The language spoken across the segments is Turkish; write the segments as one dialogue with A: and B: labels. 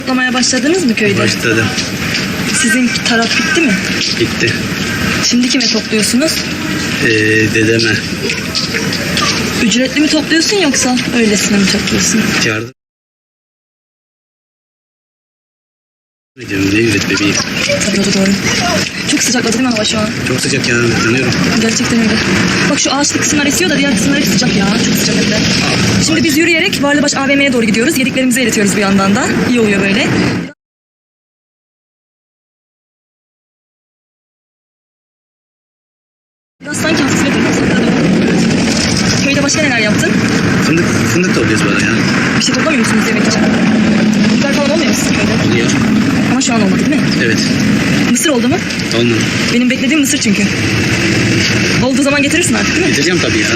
A: Toplamaya başladınız mı köyde?
B: Başladım.
A: Sizin taraf bitti mi?
B: Bitti.
A: Şimdi kime topluyorsunuz?
B: Dedeme.
A: Ücretli mi topluyorsun yoksa öylesine mi topluyorsun?
B: Yardım. Ne üret bebeğim.
A: Tabii o da doğru. Çok sıcakladı değil mi hava şu an?
B: Çok sıcak ya. Yanıyorum.
A: Gerçekten öyle. Bak şu ağaçlı kısımlar esiyor da diğer kısımlar hep sıcak ya. Çok sıcak hem de. Şimdi biz yürüyerek Varlıbaş AVM'ye doğru gidiyoruz. Yediklerimizi eritiyoruz bir yandan da. İyi oluyor böyle. Biraz sanki hafifle kırmızı. Köyde başka neler yaptın?
B: Fındık topluyoruz böyle ya.
A: Bir şey toplamıyor musunuz yemek için? Biber falan olmuyor mu sizin köyde?
B: Oluyor.
A: Ama şu an olmadı değil mi?
B: Evet.
A: Mısır oldu mu?
B: Olmadı.
A: Benim beklediğim mısır çünkü. Olduğu zaman getirirsin artık değil mi?
B: Getireceğim tabii ya.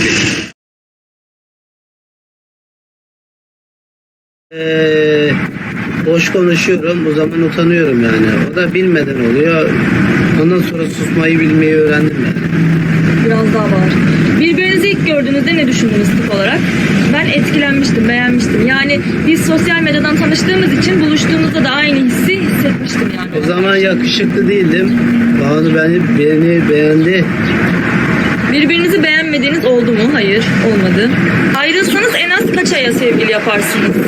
C: Boş konuşuyorum, o zaman utanıyorum yani. O da bilmeden oluyor. Ondan sonra susmayı bilmeyi öğrendim yani.
A: Biraz daha var. Birbirinizi ilk gördüğünüzde ne düşündünüz tip olarak? Ben etkilenmiştim, beğenmiştim. Yani biz sosyal medyadan tanıştığımız için buluştuğumuzda da aynı hissi hissetmiştim yani.
C: O zaman yakışıklı değildim. Banu beni beğendi.
A: Birbirinizi beğenmediğiniz oldu mu? Hayır, olmadı. Ayrılsanız en az kaç aya sevgili yaparsınız?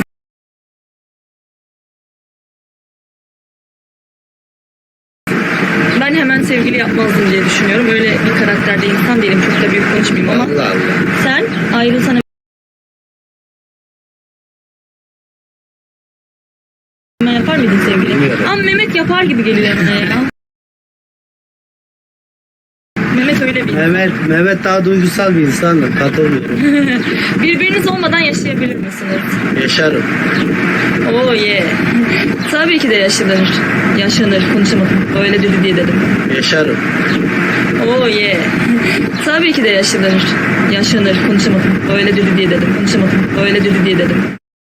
A: Ben hemen sevgili yapmazdım diye düşünüyorum. Öyle bir karakterde insan değilim. Çok da büyük konuşmayayım ama.
C: Allah Allah.
A: Sen ayrılsan hemen yapar mıydın sevgili?
C: Bilmiyorum.
A: Ama Mehmet yapar gibi geliyor bana ya. Mehmet öyle bir.
C: Mehmet daha duygusal bir insan. Katılmıyorum.
A: Birbiriniz olmadan yaşayabilir misiniz?
C: Yaşarım.
A: Oh yeah. Tabii ki de yaşanır. Yaşanır. Konuşamadım. Öyle dedi diye dedim.
C: Yaşarım.
A: Oh yeah. Tabii ki de yaşanır. Yaşanır. Konuşamadım. Öyle dedi diye dedim. Konuşamadım. Öyle dedi diye dedim.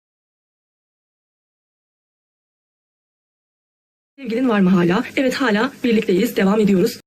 A: Sevgilin var mı hala? Evet, hala birlikteyiz. Devam ediyoruz.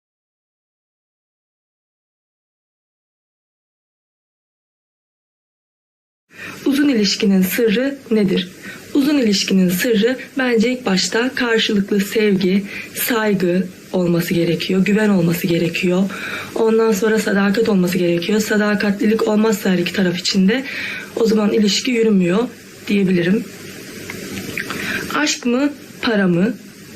A: Uzun ilişkinin sırrı nedir? Uzun ilişkinin sırrı bence ilk başta karşılıklı sevgi, saygı olması gerekiyor. Güven olması gerekiyor. Ondan sonra sadakat olması gerekiyor. Sadakatlilik olmazsa her iki taraf içinde o zaman ilişki yürümüyor diyebilirim. Aşk mı, para mı?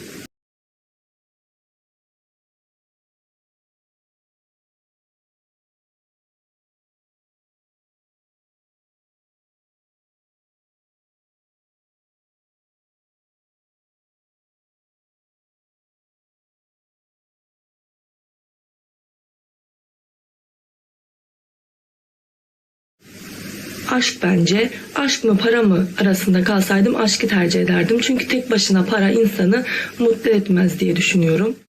A: Aşk bence. Aşk mı para mı arasında kalsaydım aşkı tercih ederdim. Çünkü tek başına para insanı mutlu etmez diye düşünüyorum.